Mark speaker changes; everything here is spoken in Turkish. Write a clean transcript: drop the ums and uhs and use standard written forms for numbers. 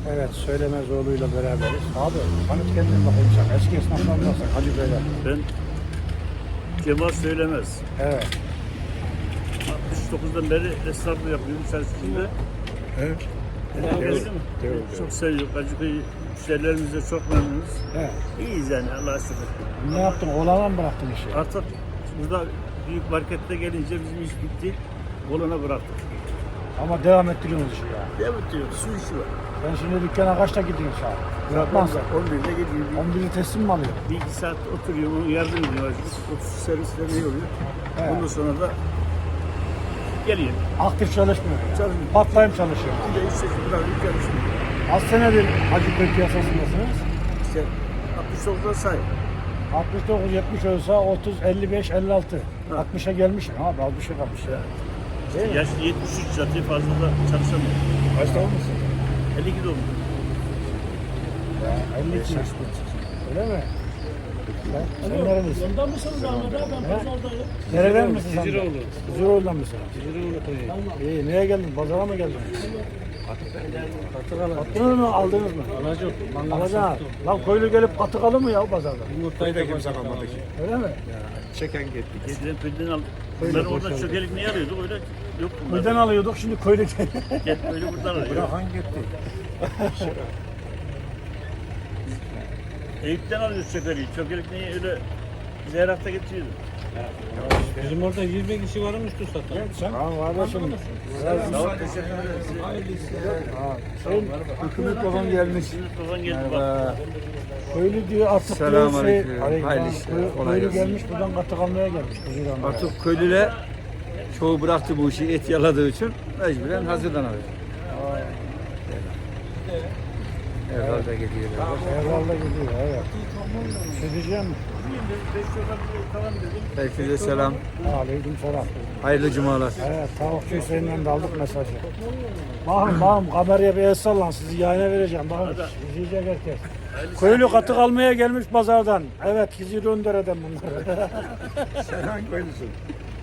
Speaker 1: Evet, Söylemezoğlu'yla beraberiz. Abi, tanıt kendin bakayım sen. Eski esnaftan nasıl? Hacı Beyler.
Speaker 2: Ben Cemal Söylemez.
Speaker 1: Evet.
Speaker 2: 69'dan beri esnaflık yapıyorum içerisinde.
Speaker 1: Evet.
Speaker 2: Geldi mi?
Speaker 1: Evet.
Speaker 2: Çok seviyoruz. Acıkıyı müşterilerimizle çok memnunuz.
Speaker 1: Evet.
Speaker 2: İyiyiz yani Allah'a şükür.
Speaker 1: Ne yaptın? Oğlana mı bıraktın işi?
Speaker 2: Artık burada büyük markette gelince bizim iş bitti. Olana bıraktık.
Speaker 1: Ama devam ettiriyorsunuz işi ya.
Speaker 2: Devam ediyoruz. Su işi var.
Speaker 1: Ben şimdi dükkana kaçta gidiyorum saat? Bırakmazsa.
Speaker 2: 11'de gidiyor.
Speaker 1: 11'i teslim mi alıyor?
Speaker 2: Bir iki saat oturuyor, ona yardım ediyor. 30 servisler ne oluyor?
Speaker 1: Evet.
Speaker 2: Ondan sonra da geliyor.
Speaker 1: Aktif çalışmıyor. Yani.
Speaker 2: Çalışmıyor.
Speaker 1: Part-time çalışıyor.
Speaker 2: Bir de işte bırakıp çalışmıyor.
Speaker 1: Az senedir Hacıköy piyasasındasınız.
Speaker 2: İşte 69'da say.
Speaker 1: 69, 70 olsa 30, 55, 56. 60'a gelmişsin abi. Az bir şey kalmış ya. Değil mi?
Speaker 2: Yaş 73 zaten fazla da çalışamıyor.
Speaker 1: Kaçta olmuşsun?
Speaker 2: 52 doğumlu.
Speaker 1: Ya 52. Öyle mi? Sen nerelisin?
Speaker 3: Yolda mısınız Ahmet abi? Ben pazardayım.
Speaker 1: Nereden misin sen?
Speaker 3: Ciziroğlu.
Speaker 1: Ciziroğlu'dan mısın?
Speaker 3: Ciziroğlu köyü.
Speaker 1: İyi, neye geldin? Pazara mı geldin? Attınız mı, aldınız mı?
Speaker 3: Alacak.
Speaker 1: Alacağım. Lan köylü gelip katık alır mı ya pazarda?
Speaker 3: Yumurtayı da kimse kalmadı ki.
Speaker 1: Öyle mi?
Speaker 3: Çeken gitti.
Speaker 2: Eskiden köyden al. Ben orada çökelik ne arıyorduk öyle yok bunlar.
Speaker 1: Köyden alıyorduk, şimdi köylü
Speaker 2: Gel böyle buradan arıyor.
Speaker 3: Hangi gitti?
Speaker 2: Eyüp'ten alıyoruz çökeliği. Çökelik neyi öyle Zeyrak'ta getiriyordu.
Speaker 3: Bizim orada 20 kişi varmış satan.
Speaker 1: Tamam kardeşim.
Speaker 2: Sağ ol, teşekkür ederiz.
Speaker 1: Hüküm mikrofon gelmiş.
Speaker 2: Mikrofon geldi bak.
Speaker 1: Köylü diyor artık diyor
Speaker 4: Selamünaleyküm.
Speaker 1: Aleyküm.
Speaker 4: Hayırlı işler, kolay
Speaker 1: Köylü
Speaker 4: gelsin.
Speaker 1: gelmiş buradan katık almaya gelmiş. Huzur almaya.
Speaker 4: Artık köylüler çoğu bıraktı bu işi et yaladığı için mecburen hazırlanıyor. Herhalde gidiyorlar.
Speaker 1: Herhalde gidiyor evet. Şey diyeceğim mi?
Speaker 4: Herkese selam.
Speaker 1: Aleyküm selam.
Speaker 4: Hayırlı cumalar.
Speaker 1: Evet, tavukçu Hüseyin'den de aldık mesajı. Bakın kameraya bir el sallan, sizi yayına vereceğim. Bakın, izleyecek herkes. Köylü katık almaya gelmiş pazardan. Evet, Hizir Öndere'den bunlar.
Speaker 4: Sen hangi köylüsün?